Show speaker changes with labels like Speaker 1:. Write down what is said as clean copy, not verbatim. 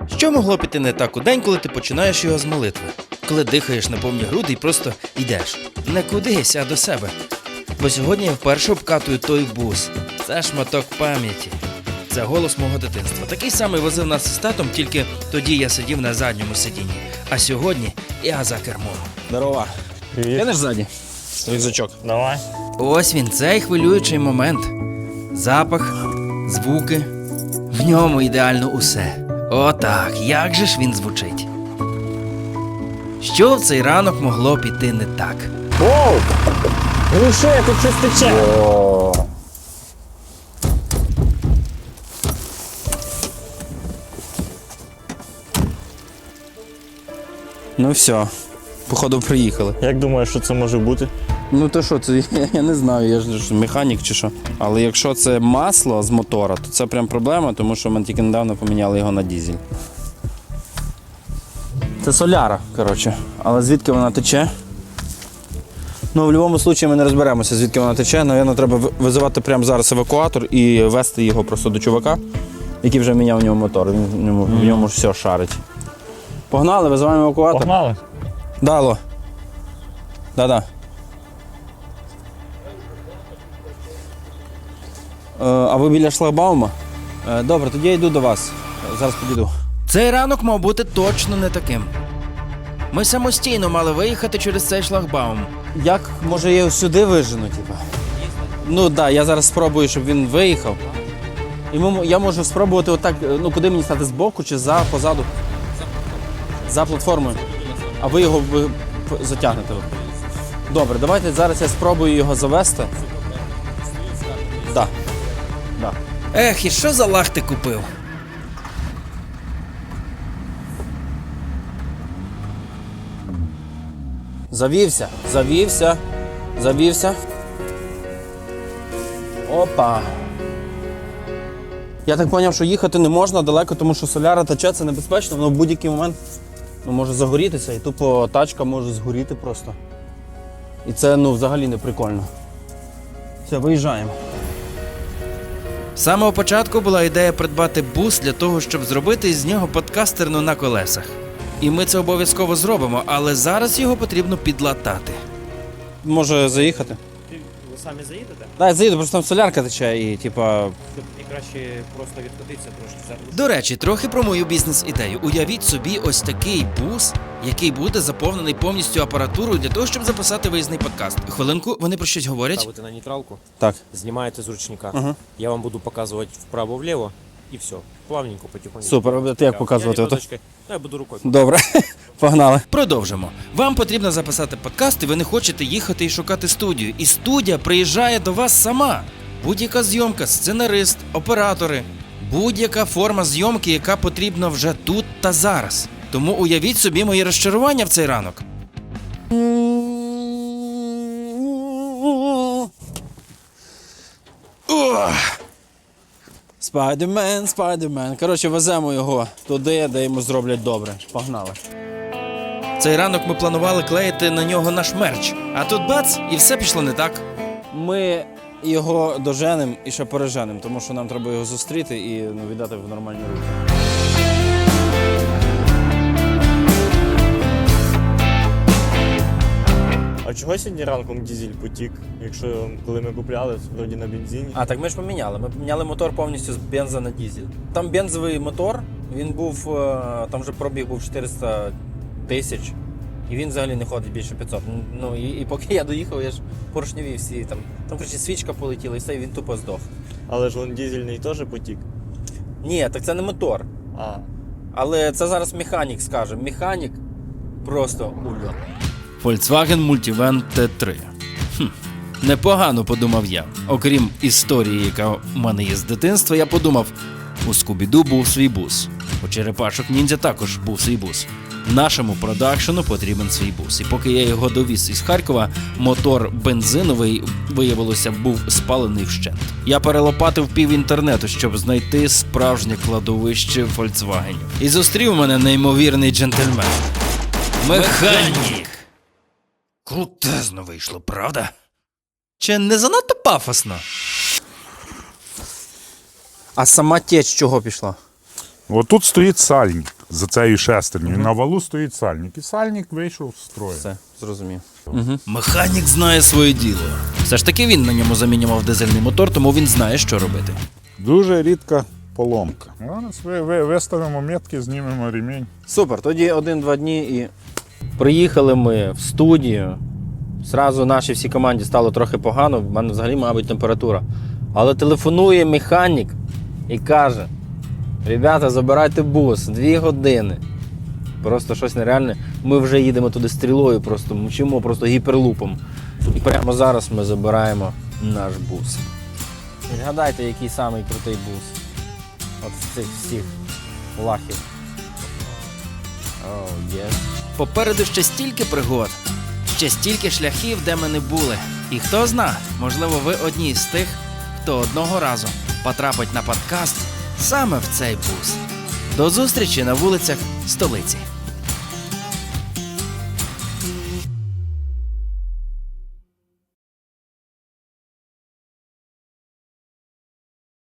Speaker 1: Що могло піти не так у день, коли ти починаєш його з молитви? Коли дихаєш на повні груди і просто йдеш. Не кудись, а до себе. Бо сьогодні я вперше обкатую той бус. Це шматок пам'яті. Це голос мого дитинства. Такий самий возив нас з татом, тільки тоді я сидів на задньому сидінні. А сьогодні я за кермом.
Speaker 2: Здорова.
Speaker 3: Привіт.
Speaker 2: Кинеш ззаді? Рюкзачок.
Speaker 3: Давай.
Speaker 1: Ось він, цей хвилюючий момент. Запах, звуки. В ньому ідеально усе. Отак, як же ж він звучить. Що в цей ранок могло піти не так?
Speaker 3: Оу! Глуши, тут щось тече.
Speaker 2: Ну все, походу приїхали.
Speaker 3: Як думаєш, що це може бути?
Speaker 2: Ну то що, це я не знаю, я ж механік чи що. Але якщо це масло з мотора, то це прям проблема, тому що ми тільки недавно поміняли його на дизель. Це соляра, коротше. Але звідки вона тече? Ну, в будь-якому випадку ми не розберемося, звідки вона тече. Навірно, треба визивати прямо зараз евакуатор і везти його просто до чувака, який вже міняв у нього мотор. Він в ньому все шарить. Погнали, визиваємо евакуатор.
Speaker 3: Погнали.
Speaker 2: Да, алло. Да-да. А ви біля шлагбаума? Добре, тоді я йду до вас. Зараз підійду.
Speaker 1: Цей ранок мав бути точно не таким. Ми самостійно мали виїхати через цей шлагбаум.
Speaker 2: Як, може, я його сюди вижену, типа? Ну так, да, я зараз спробую, щоб він виїхав. І я можу спробувати отак, ну куди мені стати, збоку чи позаду? За платформою. А ви його затягнете. Добре, давайте зараз я спробую його завести. Так. Да.
Speaker 1: Ех, і що за лах ти купив?
Speaker 2: Завівся. Опа. Я так зрозумів, що їхати не можна далеко, тому що соляра тече, це небезпечно, воно в будь-який момент може загорітися і тупо тачка може згоріти просто. І це взагалі не прикольно. Все, виїжджаємо.
Speaker 1: З самого початку була ідея придбати бус для того, щоб зробити із нього подкастерну на колесах. І ми це обов'язково зробимо, але зараз його потрібно підлатати.
Speaker 2: Може заїхати?
Speaker 4: Ви самі заїдете?
Speaker 2: Так, я заїду, просто там солярка тече і типа...
Speaker 4: І краще просто відкотитися трошки зараз.
Speaker 1: До речі, трохи про мою бізнес-ідею. Уявіть собі ось такий бус, який буде заповнений повністю апаратурою для того, щоб записати виїзний подкаст. Хвилинку, вони про щось говорять?
Speaker 4: Ставите на нейтралку,
Speaker 2: Так.
Speaker 4: знімаєте з ручника.
Speaker 2: Ага.
Speaker 4: Я вам буду показувати вправо-вліво і все. Плавненько, потихоньку.
Speaker 2: Супер, а ти як показувати?
Speaker 4: Я ліпоточкою. Я буду рукою.
Speaker 2: Добре, погнали.
Speaker 1: Продовжимо. Вам потрібно записати подкаст, і ви не хочете їхати і шукати студію. І студія приїжджає до вас сама. Будь-яка зйомка, сценарист, оператори. Будь-яка форма зйомки, яка потрібна вже тут та зараз. Тому уявіть собі мої розчарування в цей ранок.
Speaker 2: Спайдермен. Коротше, веземо його туди, де йому зроблять добре. Погнали.
Speaker 1: Цей ранок ми планували клеїти на нього наш мерч. А тут бац, і все пішло не так.
Speaker 2: Ми його доженемо і ще переженемо, тому що нам треба його зустріти і віддати в нормальні руки.
Speaker 3: А чого сьогодні ранком дизель потік, якщо коли ми купляли, вроді на бензині?
Speaker 2: А, так ми ж поміняли. Ми поміняли мотор повністю з бенза на дизель. Там бензовий мотор, він був, там вже пробіг був 400 тисяч. І він взагалі не ходить більше 500. Ну і поки я доїхав, я ж поршневі всі там. Там, коротше, свічка полетіла і все, і він тупо здох.
Speaker 3: Але ж він дизельний теж потік.
Speaker 2: Ні, так це не мотор.
Speaker 3: А.
Speaker 2: Але це зараз механік скаже. Механік просто ульот.
Speaker 1: Volkswagen Multivan T3. Непогано, подумав я. Окрім історії, яка в мене є з дитинства, я подумав, у Скубіду був свій бус. У Черепашок Ніндзя також був свій бус. Нашому продакшену потрібен свій бус. І поки я його довіз із Харкова, мотор бензиновий, виявилося, був спалений вщент. Я перелопатив пів інтернету, щоб знайти справжнє кладовище Volkswagenів. І зустрів мене неймовірний джентльмен. Механік! Крутезно вийшло, правда? Чи не занадто пафосно?
Speaker 2: А сама теч чого пішла?
Speaker 5: Вот тут стоит сальник. за цією шестернею. На валу стоїть сальник. І сальник вийшов з строю.
Speaker 2: Все, зрозумів.
Speaker 1: Механік знає своє діло. Все ж таки він на ньому замінював дизельний мотор, тому він знає, що робити.
Speaker 5: Дуже рідка поломка. Зараз виставимо метки, знімемо ремінь.
Speaker 2: Супер, тоді 1-2 дні і приїхали ми в студію. Зразу нашій всій команді стало трохи погано, в мене взагалі, мабуть, температура. Але телефонує механік і каже: ребята, забирайте бус, 2 години. Просто щось нереальне. Ми вже їдемо туди стрілою, просто мчимо просто гіперлупом. І прямо зараз ми забираємо наш бус. Відгадайте, який самий крутий бус. От з цих всіх лахів. Оу, єс.
Speaker 1: Попереду ще стільки пригод, ще стільки шляхів, де ми не були. І хто зна, можливо, ви одні з тих, хто одного разу потрапить на подкаст саме в цей бус. До зустрічі на вулицях столиці.